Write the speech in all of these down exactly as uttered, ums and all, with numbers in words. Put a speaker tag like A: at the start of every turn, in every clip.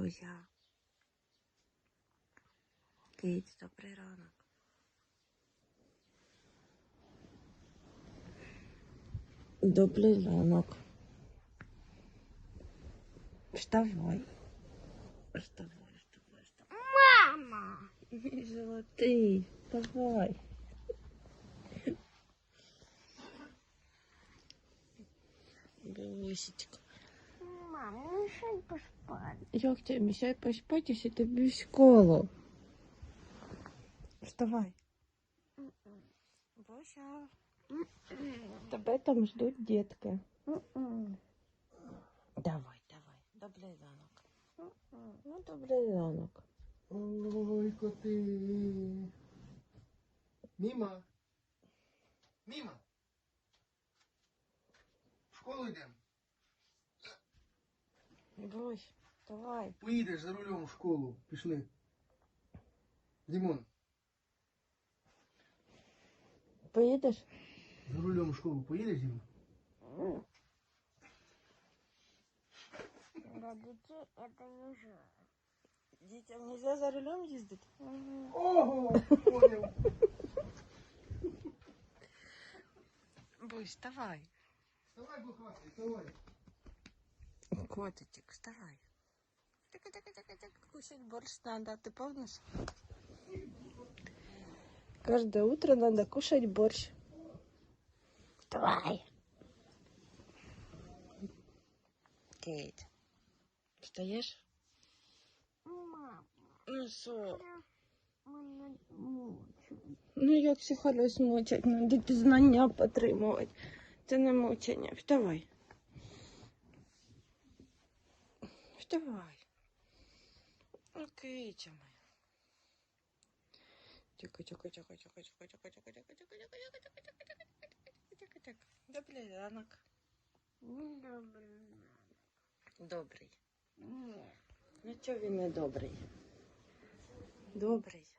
A: Буся. Кить, добрий ранок. Добрий ранок. Вставай. Вставай, вставай, вставай.
B: Мама!
A: Мій золотий, вставай. Бусечка.
B: Мам, мешай поспать.
A: Як тебе мішає поспати, якщо тобі в школу? Вставай. Буся. Тебе там ждуть дітки. Давай, давай. Добрий ранок. Ну, добрий ранок.
C: Ой, коти. Міма. Міма. В школу йдемо.
A: Бусь, давай.
C: Поїдеш за рулем в школу. Пішли. Дімон,
A: Поїдеш?
C: за рулем в школу поїдеш, Дімон?
B: Для детей это не жаль.
A: Дітям нельзя за рулем їздити?
C: Ого, понял.
A: Бусь, вставай.
C: Вставай, бухатый, вставай.
A: Котичек, вставай. Так-так-так-так, кушать борщ надо, ты помнишь? Каждое утро надо кушать борщ. Вставай. Кейт, встаешь?
B: Мама,
A: Ну що?
B: мене мучить.
A: Ну як психолюсь мучать, надо ті знання потримувати. Це не мучення. Вставай. Вставай. Ну, Китя моя. Тихо, тихо, тихо, тихо, тихо, тихо, тихо, тихо, тихо, тихо, тихо, тихо, тихо, тихо, тихо, тихо. Добрий ранок.
B: Недобрий.
A: Добрий.
B: Ні.
A: Ну чого він не добрий? Добрий.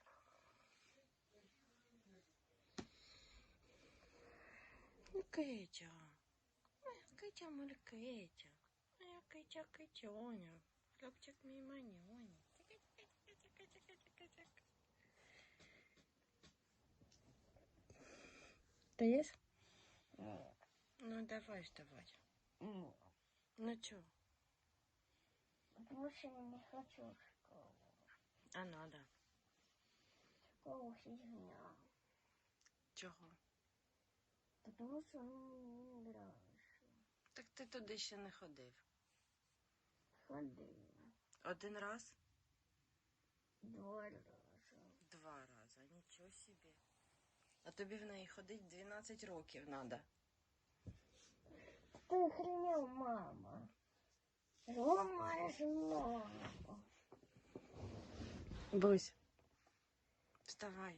A: Ну, Китя. Моя Китя, моя Китя. Моя Китя, Китяня. Хлопчик мій манюнь. Ты есть? Ну давай вставать.
B: Ні.
A: Ну чё?
B: Потому что я не хочу в школу.
A: А надо.
B: Школу фигня.
A: Чого?
B: Потому что мне не нравится.
A: Так ти туди ще не ходив.
B: Ходи.
A: Один раз?
B: Два раза.
A: Два рази. Нічого собі. А тобі в неї ходить дванадцять років надо.
B: Ты охренел, мама. Ломаешь ногу.
A: Бусь, вставай.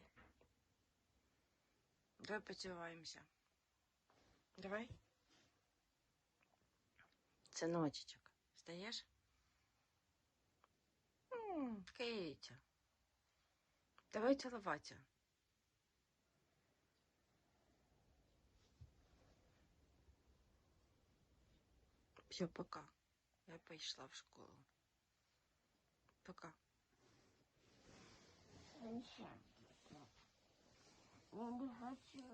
A: Давай поцілуємося. Давай. Синочечок, встаєш? М, Китя. Давай цілуватися. Все, пока. Я пішла в школу. Пока.
B: Зачем? Я не хочу.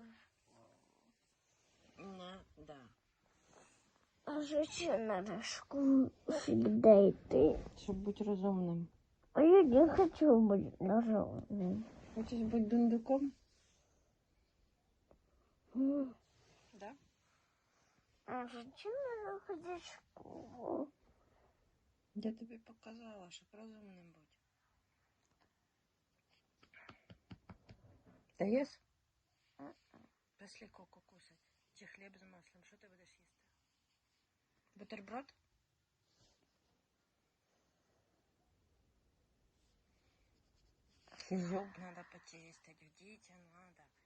A: Не, да.
B: А зачем надо в школу всегда идти?
A: Щоб бути розумним.
B: А я не хочу быть ножом.
A: Хочеш бути дундуком? Да?
B: А зачем надо ходить в школу?
A: Я тобі показала, щоб розумним бути. Даєш? Пішли коко кусать. Чи хліб з маслом. Що ти будеш їсти? Бутерброд? Зуб надо почистить, в дітям надо.